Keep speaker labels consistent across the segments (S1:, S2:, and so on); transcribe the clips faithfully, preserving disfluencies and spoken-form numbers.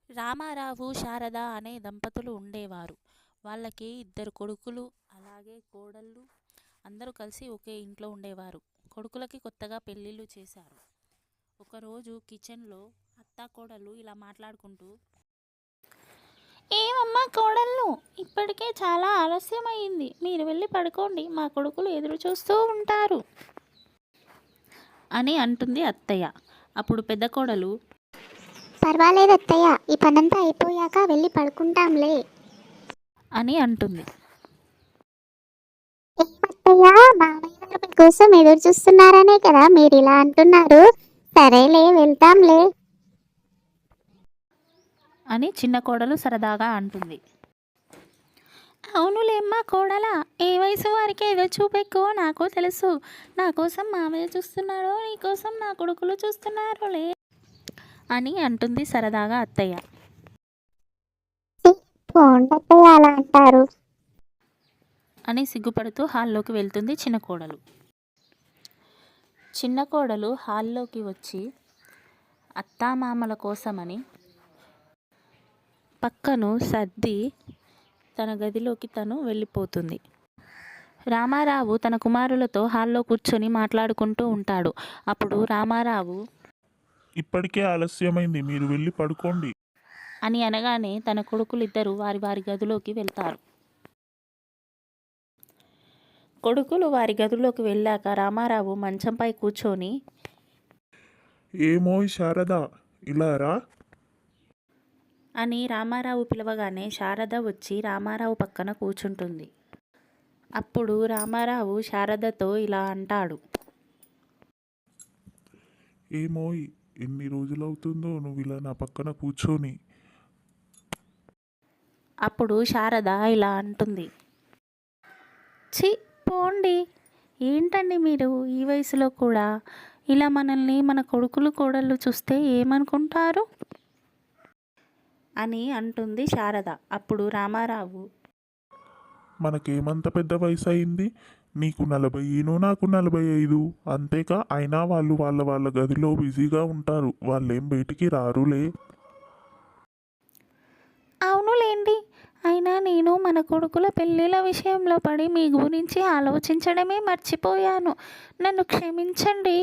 S1: రామారావు, శారద అనే దంపతులు ఉండేవారు. వాళ్ళకి ఇద్దరు కొడుకులు, అలాగే కోడళ్ళు. అందరూ కలిసి ఒకే ఇంట్లో ఉండేవారు. కొడుకులకి కొత్తగా పెళ్ళిళ్ళు చేశారు. ఒకరోజు కిచెన్లో అత్తాకోడళ్ళు ఇలా మాట్లాడుకుంటూ, ఏమమ్మా కోడళ్ళు, ఇప్పటికే చాలా ఆలస్యమైంది. మీరు వెళ్ళి పడుకోండి, మా కొడుకులు ఎదురు చూస్తూ ఉంటారు అని అంటుంది అత్తయ్య. అప్పుడు పెద్ద కోడలు,
S2: పర్వాలేదు అత్తయ్య, ఈ పనంతా అయిపోయాక వెళ్ళి పడుకుంటాంలే
S1: అని అంటుంది.
S2: ఏమత్తయ్య, మామయ్య గారు మీకోసం ఎదురు చూస్తున్నారనే కదా మీరు ఇలా అంటున్నారు. సరేలే, వెళ్తాంలే
S1: అని చిన్న కోడలు సరదాగా అంటుంది. అవునులేమ్మా కోడలా, ఏ వయసు వారికి ఏదో చూపెక్కువ నాకు తెలుసు. నా కోసం మామయ్య చూస్తున్నారో, నీకోసం నా కొడుకులు చూస్తున్నారోలే అని అంటుంది సరదాగా అత్తయ్య.
S2: పోండి అత్తయ్య, అలా అంటారు
S1: అని సిగ్గుపడుతూ హాల్లోకి వెళ్తుంది చిన్న కోడలు. చిన్న కోడలు హాల్లోకి వచ్చి అత్తామామల కోసమని పక్కను సర్ది తన గదిలోకి తను వెళ్ళిపోతుంది. రామారావు తన కుమారులతో హాల్లో కూర్చొని మాట్లాడుకుంటూ ఉంటాడు. అప్పుడు రామారావు
S3: ఇప్పటికే ఆలస్యమైంది, మీరు వెళ్ళి పడుకోండి
S1: అని అనగానే తన కొడుకులిద్దరూ వారి వారి గదిలోకి వెళ్తారు. కొడుకులు వారి గదిలోకి వెళ్ళాక రామారావు మంచంపై కూర్చొని,
S3: ఏమోయ్ శారదా, ఇలా రా
S1: అని రామారావు పిలవగానే శారద వచ్చి రామారావు పక్కన కూర్చుంటుంది. అప్పుడు రామారావు శారదతో ఇలా అంటాడు.
S3: ఏమోయ్, ఎన్ని రోజులవుతుందో నువ్వు ఇలా నా పక్కన కూర్చొని.
S1: అప్పుడు శారద ఇలా అంటుంది. ఛీ, పోండి, ఏంటండి మీరు ఈ వయసులో కూడా ఇలా మనల్ని మన కొడుకులు కోడళ్ళు చూస్తే ఏమనుకుంటారు అని అంటుంది శారద. అప్పుడు రామారావు,
S3: మనకేమంత పెద్ద వయసు అయింది? నీకు నలభైను, నాకు నలభై ఐదు, అంతేకా. అయినా వాళ్ళు వాళ్ళ వాళ్ళ గదిలో బిజీగా ఉంటారు, వాళ్ళేం బయటికి రారులే.
S1: అవునులేండి, అయినా నేను మన కొడుకుల పెళ్ళిళ్ళ విషయంలో పడి మీ గురించి ఆలోచించడమే మర్చిపోయాను, నన్ను క్షమించండి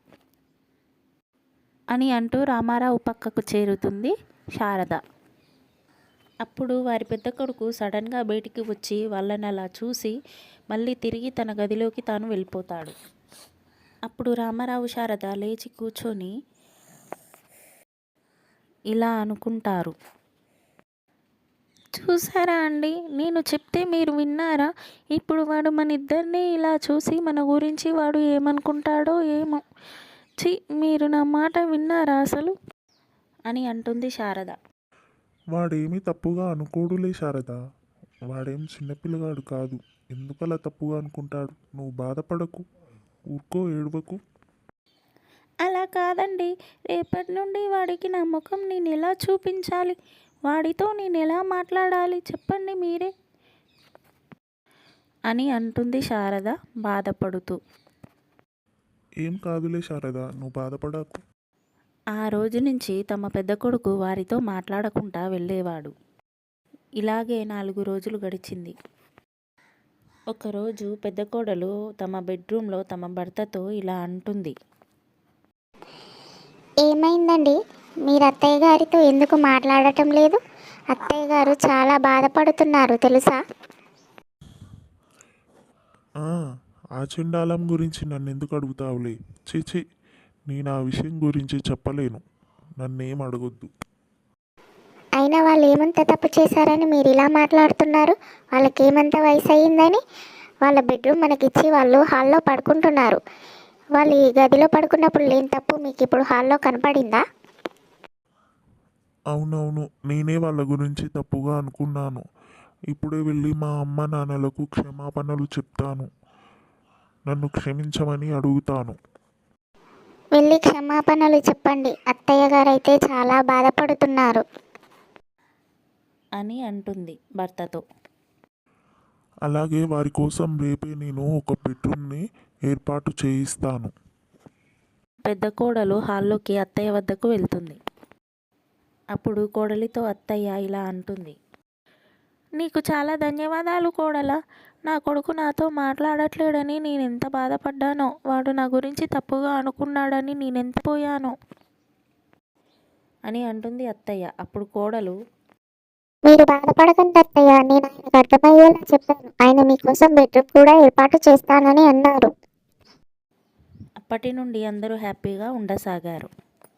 S1: అని అంటూ రామారావు పక్కకు చేరుతుంది శారద. అప్పుడు వారి పెద్ద కొడుకు సడన్గా బయటికి వచ్చి వాళ్ళని అలా చూసి మళ్ళీ తిరిగి తన గదిలోకి తాను వెళ్ళిపోతాడు. అప్పుడు రామారావు శారద లేచి కూర్చొని ఇలా అనుకుంటారు. చూసారా అండి, నేను చెప్తే మీరు విన్నారా? ఇప్పుడు వాడు మన ఇద్దరిని ఇలా చూసి మన గురించి వాడు ఏమనుకుంటాడో ఏమో. ఛీ, మీరు నా మాట విన్నారా అసలు అని అంటుంది శారద.
S3: వాడేమీ తప్పుగా అనుకోడులే శారదా, వాడేం చిన్నపిల్లగాడు కాదు, ఎందుకలా తప్పుగా అనుకుంటాడు? నువ్వు బాధపడకు, ఊరుకో, ఏడవకు.
S1: అలా కాదండి, రేపటి నుండి వాడికి నా ముఖం నేను ఎలా చూపించాలి, వాడితో నేను ఎలా మాట్లాడాలి చెప్పండి మీరే అని అంటుంది శారద బాధపడుతూ.
S3: ఏం కాదులే శారదా, నువ్వు బాధపడకు.
S1: ఆ రోజు నుంచి తమ పెద్ద కొడుకు వారితో మాట్లాడకుండా వెళ్ళేవాడు. ఇలాగే నాలుగు రోజులు గడిచింది. ఒకరోజు పెద్ద కోడలు తమ బెడ్రూమ్లో తమ భర్తతో ఇలా అంటుంది.
S2: ఏమైందండి, మీరు అత్తయ్య గారితో ఎందుకు మాట్లాడటం లేదు? అత్తయ్య గారు చాలా బాధపడుతున్నారు తెలుసా?
S3: ఆ చెండాలం గురించి నన్ను ఎందుకు అడుగుతావులే? చీచి, నేను ఆ విషయం గురించి చెప్పలేను, నన్నేం అడగొద్దు.
S2: అయినా వాళ్ళు ఏమంత తప్పు చేశారని మీరు ఇలా మాట్లాడుతున్నారు? వాళ్ళకి ఏమంత వయసు అయ్యిందని? వాళ్ళ బెడ్రూమ్ మనకిచ్చి వాళ్ళు హాల్లో పడుకుంటున్నారు. వాళ్ళు ఈ గదిలో పడుకున్నప్పుడు లేని తప్పు మీకు ఇప్పుడు హాల్లో కనపడిందా?
S3: అవునవును, నేనే వాళ్ళ గురించి తప్పుగా అనుకున్నాను. ఇప్పుడే వెళ్ళి మా అమ్మ నాన్నలకు క్షమాపణలు చెప్తాను, నన్ను క్షమించమని అడుగుతాను.
S2: వెళ్ళి క్షమాపణలు చెప్పండి, అత్తయ్య గారైతే చాలా బాధపడుతున్నారు
S1: అని అంటుంది భర్తతో.
S3: అలాగే వారి కోసం రేపే నేను ఒక బెడ్రూమ్ని ఏర్పాటు చేయిస్తాను.
S1: పెద్ద కోడలు హాల్లోకి అత్తయ్య వద్దకు వెళ్తుంది. అప్పుడు కోడలితో అత్తయ్య ఇలా అంటుంది. నీకు చాలా ధన్యవాదాలు కోడల. నా కొడుకు నాతో మాట్లాడట్లేడని నేనెంత బాధపడ్డానో, వాడు నా గురించి తప్పుగా అనుకున్నాడని నేనెంత పోయానో అని అంటుంది అత్తయ్య. అప్పుడు కోడలు,
S2: మీరు బాధపడకండి అత్తయ్య, నేను ఆయనకు అర్థమయ్యేలా చెప్పాను. ఆయన మీకోసం బెడ్రూమ్ కూడా ఏర్పాటు చేస్తానని అన్నారు.
S1: అప్పటి నుండి అందరూ హ్యాపీగా ఉండసాగారు.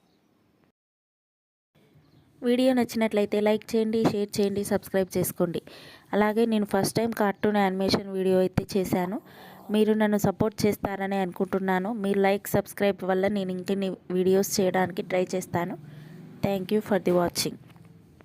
S1: వీడియో నచ్చినట్లయితే లైక్ చేయండి, షేర్ చేయండి, సబ్స్క్రైబ్ చేసుకోండి. అలాగే నేను first time cartoon animation video అయితే చేశాను. మీరు నన్ను సపోర్ట్ చేస్తారని అనుకుంటున్నాను. మీరు లైక్, సబ్స్క్రైబ్ వల్ల నేను ఇంకెన్ని వీడియోస్ చేయడానికి ట్రై చేస్తాను. Thank you for the watching.